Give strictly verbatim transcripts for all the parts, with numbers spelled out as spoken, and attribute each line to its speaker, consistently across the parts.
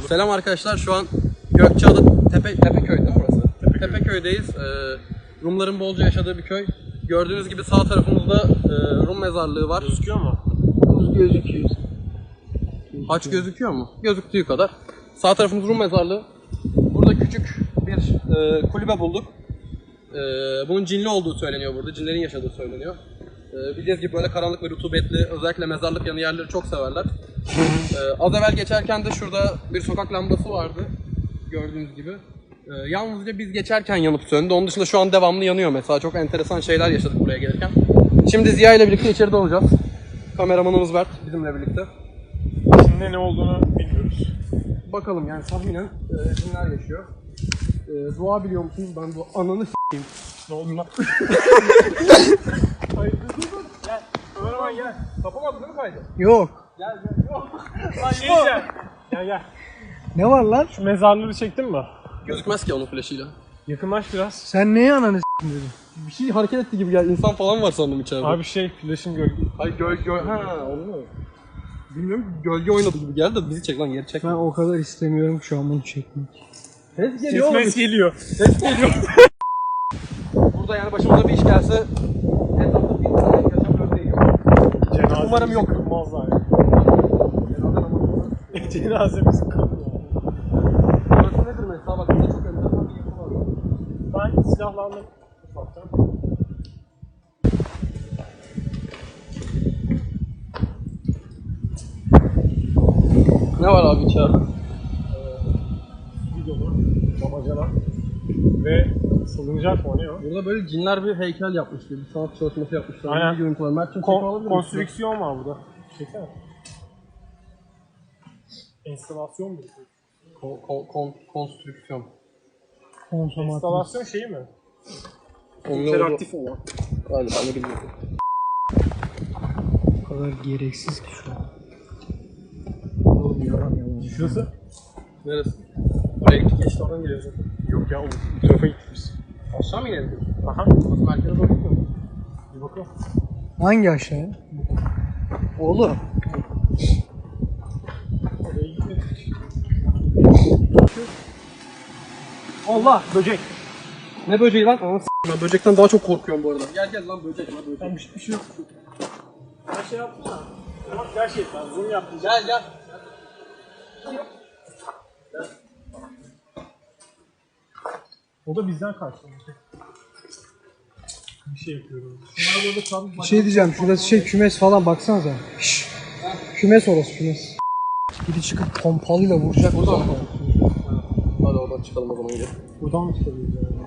Speaker 1: Selam arkadaşlar, şu an Gökçeada Tepe Tepeköy değil mi burası? Tepeköy. Tepeköy'deyiz. Ee, Rumların bolca yaşadığı bir köy. Gördüğünüz gibi sağ tarafımızda e, Rum mezarlığı var.
Speaker 2: Gözüküyor mu?
Speaker 1: Gözüküyor. Haç gözüküyor mu? Gözüktüğü kadar. Sağ tarafımız Rum mezarlığı. Burada küçük bir e, kulübe bulduk. E, bunun cinli olduğu söyleniyor burada. Cinlerin yaşadığı söyleniyor. E, bildiğiniz gibi böyle karanlık ve rutubetli, özellikle mezarlık yanı yerleri çok severler. E, az evvel geçerken de şurada bir sokak lambası vardı. Gördüğünüz gibi. E, yalnızca biz geçerken yanıp söndü. Onun dışında şu an devamlı yanıyor mesela. Çok enteresan şeyler yaşadık buraya gelirken. Şimdi Ziya ile birlikte içeride olacağız. Kameramanımız Mert bizimle birlikte.
Speaker 2: İçinde ne olduğunu bilmiyoruz.
Speaker 1: Bakalım yani tahminen e, cinler yaşıyor. E, dua biliyor musunuz? Ben bu ananı s**eyim.
Speaker 2: Ne oldu lan? Hayır dur dur dur. Gel. Ömer gel.
Speaker 1: Kapamadın değil mi kaydı?
Speaker 3: Yok.
Speaker 1: Gel gel. Yok.
Speaker 2: Lan şey diyeceğim. Gel gel.
Speaker 3: Ne var lan?
Speaker 2: Şu mezarları çektin mi?
Speaker 1: Gözükmez ki onun flaşıyla.
Speaker 2: Yakınlaş biraz.
Speaker 3: Sen neye ananı s**tin dedin?
Speaker 1: Bir şey hareket etti gibi geldi. İnsan falan var sandım içeride.
Speaker 2: Abi şey flaşın gölge.
Speaker 1: Hayır göl göl. Ha onu mu? Bilmiyorum, gölge oynadı gibi geldi de bizi çek lan, geri çek.
Speaker 3: Ben o kadar istemiyorum şu an bunu çekmek.
Speaker 1: Ses geliyor oğlum.
Speaker 2: Ses geliyor.
Speaker 1: Ses geliyor. Burada yani başımıza bir iş gelse etrafta bir tane yaşam örneği yok.
Speaker 2: Cenazemizi
Speaker 1: Umarım yok.
Speaker 2: kılmazlar ya.
Speaker 1: Cenaze namazı.
Speaker 2: Cenazemizi kılmazlar.
Speaker 1: Burası nedir mesela? Bak burada çok enteresan bir yapı var.
Speaker 2: Ben silahlandım ufaktan.
Speaker 1: Ne var abi içeride?
Speaker 2: Bidonu, damacana ve salıncak mı ne o?
Speaker 1: Burada böyle cinler bir heykel yapmış gibi, bir sanat çalışması yapmışlar.
Speaker 2: Aynen.
Speaker 1: Bir görüntü var. Mert'cim
Speaker 2: Kon-
Speaker 1: çekim alabilir misin?
Speaker 2: konstrüksiyon var burada. Çeksene. Enstalasyon mu?
Speaker 1: Kon, kon, kon, konstrüksiyon.
Speaker 3: Konsomatris.
Speaker 2: Enstalasyon şeyi mi?
Speaker 1: Onun
Speaker 2: İnteraktif olan.
Speaker 1: Galiba ne bilmiyorum.
Speaker 3: O kadar gereksiz ki şu an. Oğlum yalan yalan.
Speaker 2: Şurası?
Speaker 1: Neresi? Buraya gittik, geçti oradan geliyoruz zaten.
Speaker 2: Yok ya, bu tarafa gitmiş.
Speaker 1: Aşağı mı inelim?
Speaker 2: Aha.
Speaker 1: Nasıl merkeze doğru gidiyor mu?
Speaker 2: Bir bakalım.
Speaker 3: Hangi aşağıya? Oğlum.
Speaker 2: Oraya gitmedik.
Speaker 1: Allah!
Speaker 2: Böcek.
Speaker 1: Ne böceği lan? Anasını s**eyim, ben böcekten daha çok korkuyorum bu arada. Gel gel lan böcek lan böcek.
Speaker 2: Ben bir, bir şey yok. Ben şey yaptım ya. Bak gerçekten zoom yaptım.
Speaker 1: Gel gel.
Speaker 2: O da bizden kaçtı. Bir şey yapıyorum.
Speaker 3: Bir şey diyeceğim. Şurası şey kümes falan baksanıza. Şşş. Kümes orası kümes. Biri çıkıp pompalıyla vuracak.
Speaker 1: Buradan mı? Hadi oradan çıkalım o zaman gel.
Speaker 2: Buradan mı çıkabiliriz yani?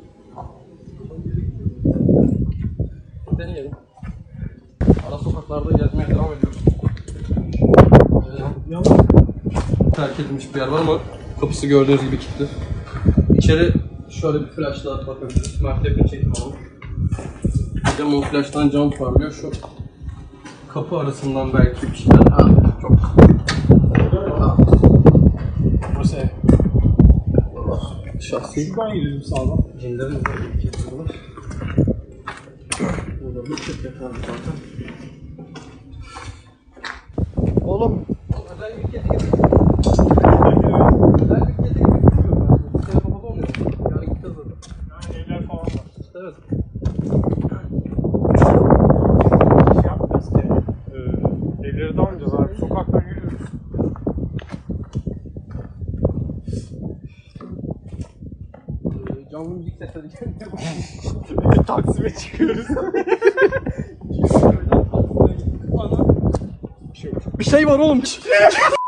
Speaker 1: Deneyelim. Ara sokaklarda gezmeye devam ediyoruz. Ee,
Speaker 2: Yalnız
Speaker 1: terk edilmiş bir yer var ama kapısı gördüğünüz gibi kilitli. İçeri şöyle bir flashla bakabiliriz. Mert yakın çekim alalım. Cam o flash'tan cam parlıyor. Şu kapı arasından belki bir şeyler. Ha, çok. Ha.
Speaker 2: burası ev.
Speaker 1: Şahsi.
Speaker 2: Şuradan gidelim sağdan.
Speaker 1: Cinlerin de kilitliyorlar. Burada bir çift yatardı zaten.
Speaker 3: Oğlum.
Speaker 1: Özel bir kedi gibi. Özel bir kedi gibi bilmiyorum ben. Bir kere babada olmuyor. Yani gideceğiz zaten.
Speaker 2: Yani evler falan var.
Speaker 1: Evet.
Speaker 2: Şey yapacağız ki. E, evleri dalmayacağız abi. Sokaktan yürüyoruz.
Speaker 1: Ee, canlı müzik sesleri geliyor.
Speaker 2: Taksim'e çıkıyoruz.
Speaker 1: Bir şey var oğlum.